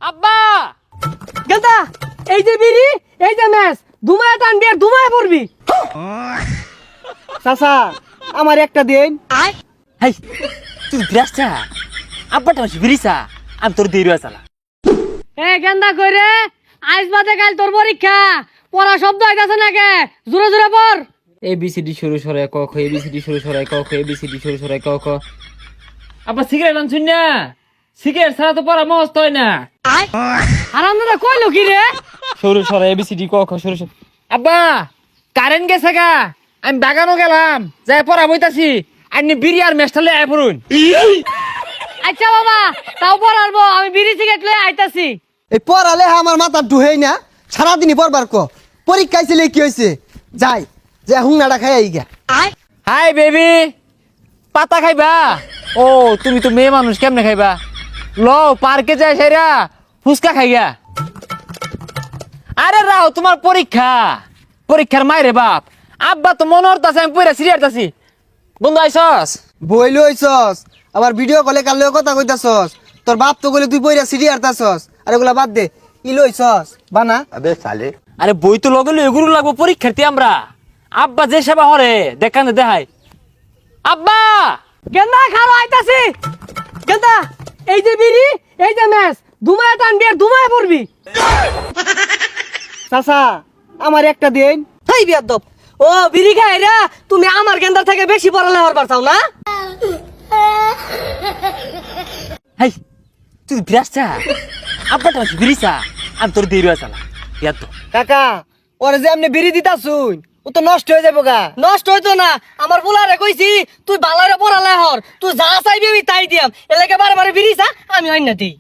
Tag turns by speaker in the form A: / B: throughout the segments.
A: আব্বা
B: গেলতা এই যে বিড়ি এই যে ম্যাচ ধুমায় টানবি আর ধুমায় পড়বি।
C: চাচা আমার একটা দিন।
A: হাই তুই বিরাসা আব্বাটা মাসি বিরিসা আমি তোর দেরি চালা।
B: এ গেন্দা কইরে আজ বাদে কাল তোর পরীক্ষা পড়া শব্দ আইতাছে নাকি জোরে জোরে পড়।
A: ABCD শুরু সরাই ক খ ABCD শুরু সরাই ক খ ABCD শুরু সরাই ক খ। আব্বা সিগারেট আনছুন না, সিগারেট ছাড়া তো পড়া মস্ত হয় না।
B: হারামদাদা কইলো কি রে?
A: শুরু সরাই ABCD ক খ শুরু সরাই। আব্বা কারেন্ট গেছে গা, আমি বাগানও গেলাম যাই পড়া বইতাছি। আপনি বিড়ি আর মেস্টালে আয় পড়ুন।
B: আচ্ছা বাবা তাও পড়াবো, আমি বিড়ি সিগারেট লয়ে আইতাছি।
C: এই পড়ালে আমার মাথা ঢুহেই না, সারাদিনই পড়বার ক। পরীক্ষায় ছিল কি হয়েছে, যাই যে হুংনাটা খাই আই গা।
A: হাই বেবি, পাতা খাইবা? ও তুমি তো মেয়ে মানুষ, কেমনে খাইবা? লো পার্কে যাই সেরা ফুচকা খাইয়া। আরে রাও তোমার পরীক্ষা, পরীক্ষার মাইরে বাপ। আব্বা তো মনে হতাছে আমি পড়া সিরিয়ারতাছি। বন্ধু আইসস?
C: বই লইছস আবার ভিডিও কলে কাল কথা কইতাছস। তোর বাপ তো কইলে তুই বইরা সিডি আরতাছস। আর এগুলা বাদ দে, ই লইছস বানা।
A: আরে বই তো লগে লই এগুলো লাগবো পরীক্ষার্থী আমরা। আব্বা যে সেবা হরে দেখানে দেখাই। আব্বা
B: গেন্দা খালো আইতাছি। গেন্দা এই যে বিড়ি এই যে ম্যাচ ধুমায় টানবি আর ধুমায় পড়বি।
C: চাচা আমার একটা দিন।
B: তাই বিয়াদব ও বিড়ি খাই রে, তুমি আমার গেন্দার থেকে বেশি পড়ালে হরবার চাও না?
A: হাই তুই বিরাসা আব্বাটা মাসি বিরিসা আমি তোর দেরি চালা। ইয়াদ তো
C: কাকা ওরে যে আপনি বিড়ি দিতাছুন ও তো নষ্ট হয়ে যাবো গা।
B: নষ্ট হইতো না, আমার বুলারে কইছি তুই বালারে পড়ালে হর, তুই যা চাইবি আমি তাই দিয়াম। এলাকে বারে বারে বিড়ি চা আমি অন্য দিই।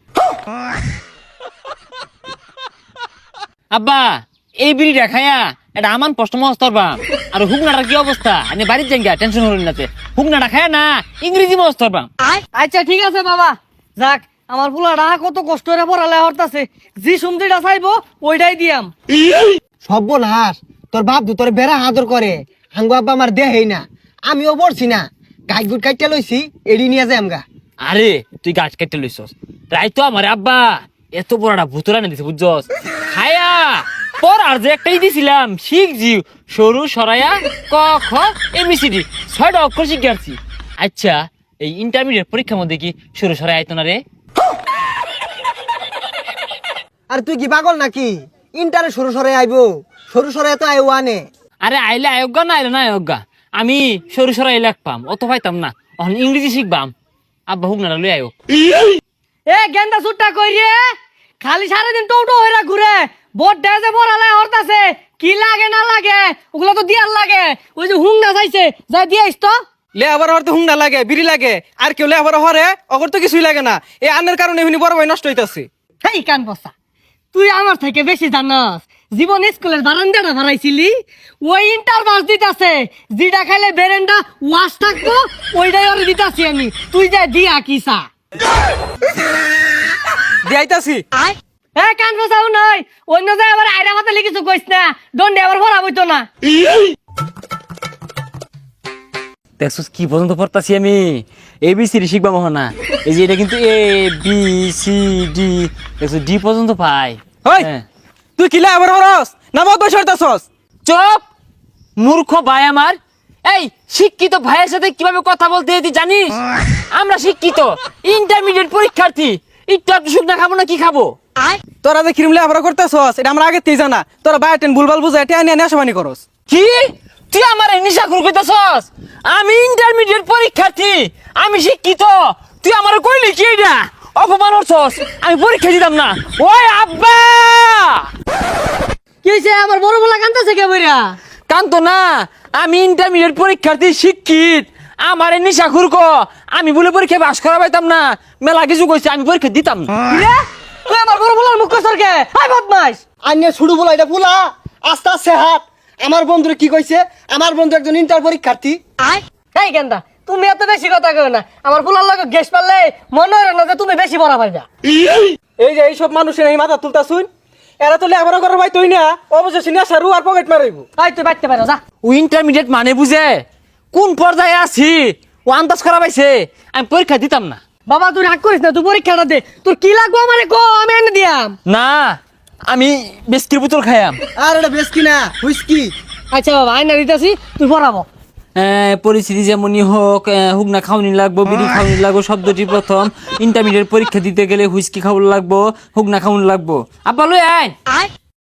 A: আব্বা এই বিড়িটা খায়া এটা আমার কষ্ট মস্তর বাম। আর হুকনাটার কি অবস্থা? আপনি বাড়ির যান গা, টেনশন হলেন না। হুকনাটা খায়া না ইংরেজি মস্তর বাম।
B: আচ্ছা ঠিক আছে বাবা, যাক আমার বুলারা কত কষ্ট করে পড়ালে হরতাছে, জি সুমদিটা চাইবো ওইটাই দিয়াম।
C: সর্বনাশ, তোর বাপ তোর বেড়া আদর করে, হাঙ্গু আব্বা আমার দেহেই না। আমিও পড়ছি না, গাছ গুট কাইটা লইছি, এড়ি নিয়ে যাই আমগা।
A: আরে তুই গাছ কেটে লইছস তাই তো আমার আব্বা এত বড়টা ভুতুরা না দিছে বুঝছস। খায়া পর আর যে একটাই দিছিলাম শিখ জিউ সরু সরাইয়া ক খ ABCD 6টা অক্ষর শিখছি। আচ্ছা এই ইন্টারমিডিয়েট পরীক্ষার মধ্যে কি সরু সরাই আইতো না রে?
C: আর তুই কি পাগল নাকি? ইন্টারে সরু সরে আইবো, সরু সরে তো আইও আনে।
A: আরে আইলে আয়োগা না আইলে না আয়োগা, আমি সরু সরাই লেখপাম অত পাইতাম না। এখন ইংরেজি শিখবাম। আব্বা হুক না লই আয়ো।
B: এ গেন্দা সুট্টা কই রে, খালি সারাদিন টোটো হইরা ঘুরে বোট ডেজে পড়ালে হরতাছে। কি লাগে না লাগে ওগুলো তো দিয়ার লাগে। ওই যে হুং না চাইছে যা দিয়াইস তো।
D: লে আবার হরতে হুংনা লাগে, বিড়ি লাগে, আর কেউ লে আবার হরে অগর তো কিছুই লাগে না। এই আন্নের কারণে এমনি বড় ভাই নষ্ট হইতাছে।
B: হেই কান বসা, তুই আমার থেকে বেশি জানাস। জীবন স্কুলের বারান্দাটা ভাড়াইছিলি, ওই ইন্টার বাস দিতাছে। যেটা খাইলে বেরেন্ডা ওয়াশ থাকবো ওইটাই ওরে দিতাছি আমি। তুই যা দিয়া কিসা
D: দিয়াইতাছি।
B: এ কান বসাও নয়, অন্য যায় আবার আইরা মাথা লিখিস কইস না, দণ্ডে আবার ভরা বইতো না।
A: দেখছিস কি পর্যন্ত পড়তাছি আমি? ABCD শিখবা মহা না। এই যে এটা কিন্তু ABCD দেখছিস D পর্যন্ত পাই।
D: হই
A: হ্যাঁ।
D: তুই কি লে আবার হরস না বহুত বয়স হরতাছস?
A: চুপ মূর্খ ভাই আমার। এই শিক্ষিত ভাইয়ের সাথে কিভাবে কথা বলতে হয় তুই জানিস? আমরা শিক্ষিত ইন্টারমিডিয়েট পরীক্ষার্থী, একটু একটু শুকনা খাবো না কি খাবো?
D: তোরা যে ক্রিম লে আবার করতেছস এটা আমরা আগে তেই জানা। তোরা বায়োটেন ভুলভাল বুঝাই টেয়া নিয়ে নেশাবানি করস।
A: কি তুই আমার নিশা খুর কইতাছস? আমি ইন্টারমিডিয়েট পরীক্ষার্থী, আমি শিক্ষিত, তুই আমার কইলি কি এটা? অপমান করছস, আমি পরীক্ষা দিতাম না। ওই আব্বা
B: কি হইছে আমার বড় বলা কান্দাছে কে বইরা?
A: কান্ত না, আমি ইন্টারমিডিয়েট পরীক্ষার্থী শিক্ষিত, আমার নিশা খুর আমি বলে পরীক্ষা পাস করা পাইতাম না। মেলা কিছু কইছে, আমি পরীক্ষা দিতাম না।
B: রে তুই আমার বড় বলার মুখ সরকে হাই বদমাইশ।
C: আইনে শুরু বলা এটা পুলা আস্তে আস্তে হাত। আমার বন্ধুরে কি কইছে? আমার বন্ধু একজন ইন্টার পরীক্ষার্থী।
B: এই গেন্দা তুমি এত বেশি কথা কও না। আমার ফুলার লগে গ্যাস পারলে মনে হয় না যে তুমি বেশি বড় পাইবা।
D: এই যে এইসব মানুষের এই মাথা তুলতাছুন, এরা তো লে আবার করার ভাই তুই না অবশেষে নেশা রু আর পকেট মারাইব।
B: আই তুই বাইতে পারো যা।
A: ও ইন্টারমিডিয়েট মানে বুঝে কোন পর্যায়ে আছি ও আন্দাজ করা পাইছে, আমি পরীক্ষা দিতাম না।
B: বাবা তুই রাগ করিস না, তুই পরীক্ষাটা দে। তোর কি লাগবো আমারে কো, আমি এনে দিয়াম।
A: না আমি বিস্কির বোতল খাইয়াম।
C: আর এটা বেশ কিনা হুইস্কি।
B: আচ্ছা বাবা আইনা দিতেছি, তুই পড়াবো।
A: পরিস্থিতি যেমনই হোক, হুগনা খাওয়ানি লাগবো, বিড়ি খাওয়ানি লাগবো, শব্দটি প্রথম। ইন্টারমিডিয়েট পরীক্ষা দিতে গেলে হুইস্কি খাওয়ানো লাগবো, হুগনা খাওয়ানি লাগবো। আব্বা লই আয়।